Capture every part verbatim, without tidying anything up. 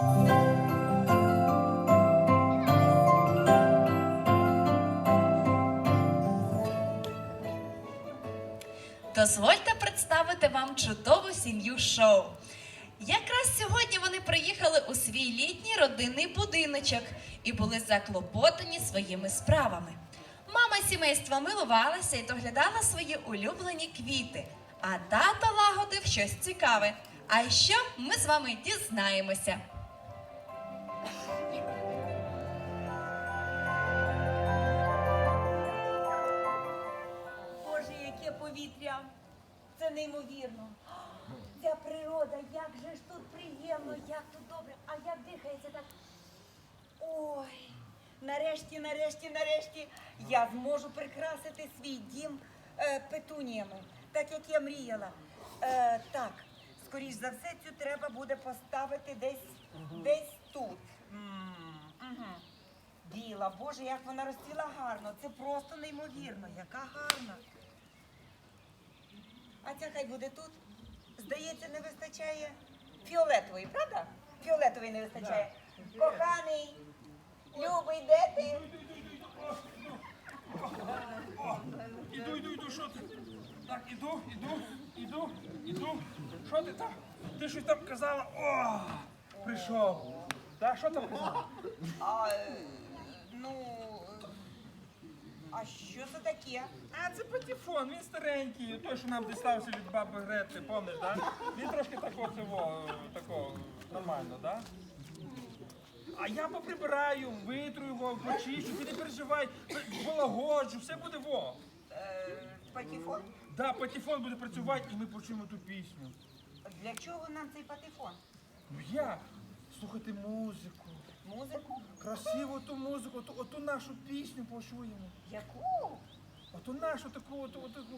Дозвольте представити вам чудову сім'ю Шоу. Якраз сьогодні вони приїхали у свій літній родинний будиночок і були заклопотані своїми справами. Мама сімейства милувалася і доглядала свої улюблені квіти, а тато лагодив щось цікаве. А що ми з вами дізнаємося. Боже, яке повітря! Це неймовірно. Ця природа, як же ж тут приємно, як тут добре, а як дихається так. Ой, нарешті, нарешті, нарешті я зможу прикрасити свій дім е, петуніями, так як я мріяла. Е, так, скоріш за все, цю треба буде поставити десь, десь тут. М, мгм. Біла, Боже, як вона розцвіла гарно, це просто неймовірно, яка гарна. А ця хай буде тут. Здається, не вистачає фіолетової, правда? Фіолетової не вистачає. Коханий, любий, де ти? Іду, іду, іду, що ти? Так, іду, іду, іду, іду. Що ти там? Ти щось там казала? О, прийшов. Так, що там казала? А, е, ну, а що це таке? А, це патефон, він старенький, той, що нам дістався від баби Грети, помниш, так? Да? Він трошки такого, цього, такого, нормально, так? Да? А я поприбираю, витру його, почищу, ти не переживай, полагоджу, все буде во. Е, патефон? Да, патефон буде працювати і ми почуємо ту пісню. Для чого нам цей патефон? Ну як? Слухати музику. Музику? Красиву ту музику, оту, оту нашу пісню почуємо. Яку? Оту нашу таку, оту, оту, таку.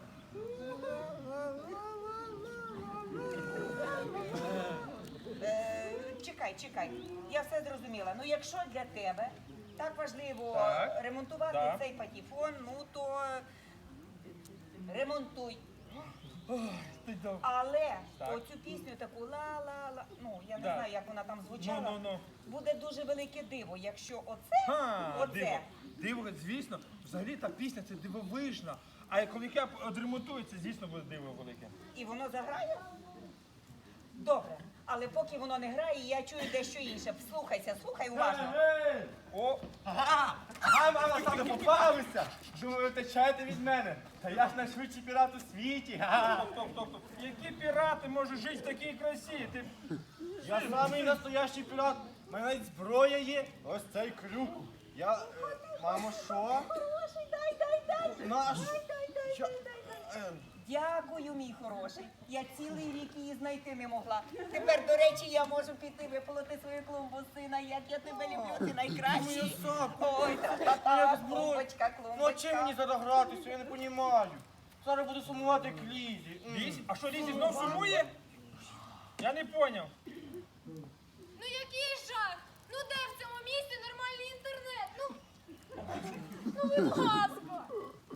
Е, чекай, чекай, я все зрозуміла. Ну, якщо для тебе так важливо Так. ремонтувати Так. цей патефон, ну то ремонтуй. Ой, ти дав. Але Так. оцю пісню таку ла-ла-ла, ну я не Да. знаю, як вона там звучала. Ну, ну, ну. Буде дуже велике диво, якщо оце, Ха, оце. диво. Диво, звісно, взагалі та пісня це дивовижна. А коли я відремонтую, це, звісно, буде диво велике. І воно заграє? Добре. Але поки воно не грає, я чую дещо інше. Слухайся, слухай уважно. О, Ага, ага, мама, саме попалися. Думаю, ви втечаєте від мене. Та я ж найшвидший пірат у світі. Ага. стоп, стоп, стоп. Які пірати можуть жити в такій красі? Ти... Я самий настоящий пірат. У мене навіть зброя є. Ось цей крюк. Я, е, мамо, що? Хороший, дай, дай, дай. Наш. Дай, дай, дай, Що? дай, дай, дай. Е, Дякую, мій хороший. Я цілий рік її знайти не могла. Тепер, до речі, я можу піти виполоти свою клумбу, сина. Як я тебе люблю, ти найкращий. Моя сапка. Ой, та-та-та, Як зброя. клумбочка, Ну а чим мені клумбочка. зараз гратися, я не розумію. Зараз буду сумувати к Лізі. М. Лізі? А що, Лізі знов сумує? Я не поняв. Ну який жах! Ну де в цьому місті нормальний інтернет? Ну, ну будь ласка!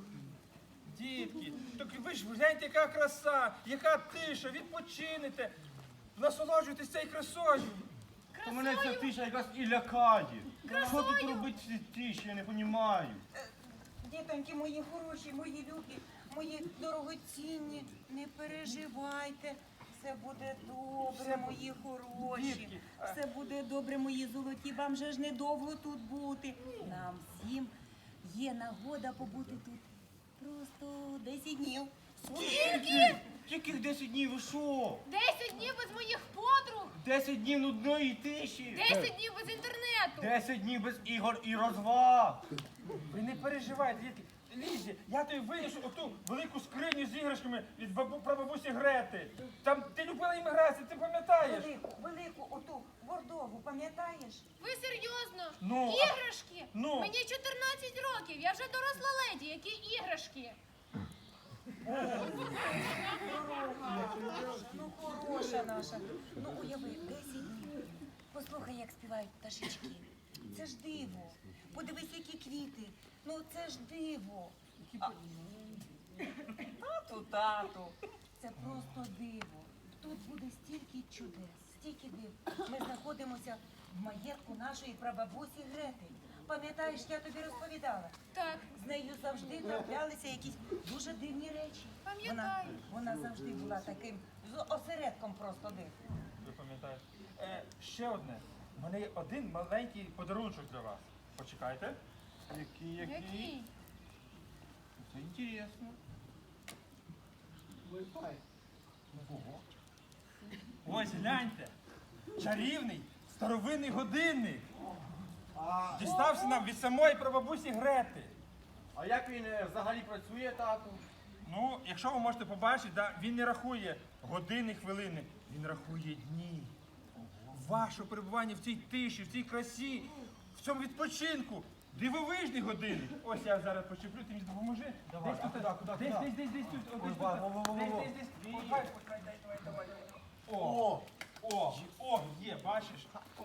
Дітки, так ви ж гляньте, яка краса, яка тиша, відпочинете, насолоджуйтесь цією красою. То мене ця тиша якраз і лякає. Що тут робити в цій тиші, я не розумію. Дітоньки мої хороші, мої любі, мої дорогоцінні, не переживайте. Все буде добре, мої хороші. Дітки, а- Все буде добре, мої золоті. Вам же ж недовго тут бути. Нам всім є нагода побути тут. Просто десять днів. Скільки? Тільки десять днів, ви що? Десять днів без моїх подруг! Десять днів нудної тиші. Десять днів без інтернету! Десять днів без ігор і розваг. Ви не переживайте, дітки. Лізі, я тобі винесу оту велику скриню з іграшками від бабу, прабабусі Грети. Там ти любила їм гратися, ти пам'ятаєш? Велику, велику, оту бордову, пам'ятаєш? Ви серйозно? Ну, а- Іграшки? ну. Мені чотирнадцять років, я вже доросла леді, які іграшки? Ну, хороша наша. Ну, уяви, десять днів. Послухай, як співають пташечки. Це ж диво. Подивись, які квіти. Ну, це ж диво. А... Тату, тату. Це просто диво. Тут буде стільки чудес, стільки дива. Ми знаходимося в маєтку нашої прабабусі Грети. Пам'ятаєш, я тобі розповідала? Так, З нею завжди траплялися якісь дуже дивні речі. Вона, Пам'ятаю. вона завжди була таким з осередком просто див. Ви пам'ятаєте? Е, ще одне. У мене є один маленький подарунок для вас. Почекайте. Який, який? Це інтересно. Ось гляньте. Чарівний старовинний годинник. А, Дістався нам від самої прабабусі Грети. а як він е, взагалі працює, тату? Ну, якщо ви можете побачити, да, він не рахує години, хвилини, він рахує дні. Ваше перебування в цій тиші, в цій красі, в цьому відпочинку. Дивовижний годинник. Ось я зараз почеплю, ти мені допоможи. Давай, Десь а тут, куди, куди, десь, куди? десь, десь, десь тут. О, Ой, десь ба, тут. во, во, во, Десь, во. десь, десь. Ні. Похай, похай, дай, давай, давай. О, О! о, о, є, бачиш?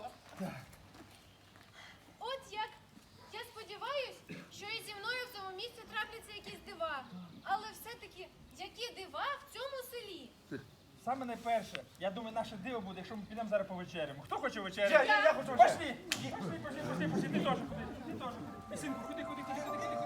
От як. Я сподіваюсь, що і зі мною в цьому місці трапляться якісь дива. Але все-таки, які дива в цьому селі? Саме найперше, я думаю, наше диво буде, якщо ми підемо зараз повечеряємо. Хто хоче Я, вечеряти? я, я хочу Пошли! Пошли, пошли, пошли, пошли, ти теж ходи, ти теж. Синку, ходи, ходи, ходи, ходи, ходи, ходи.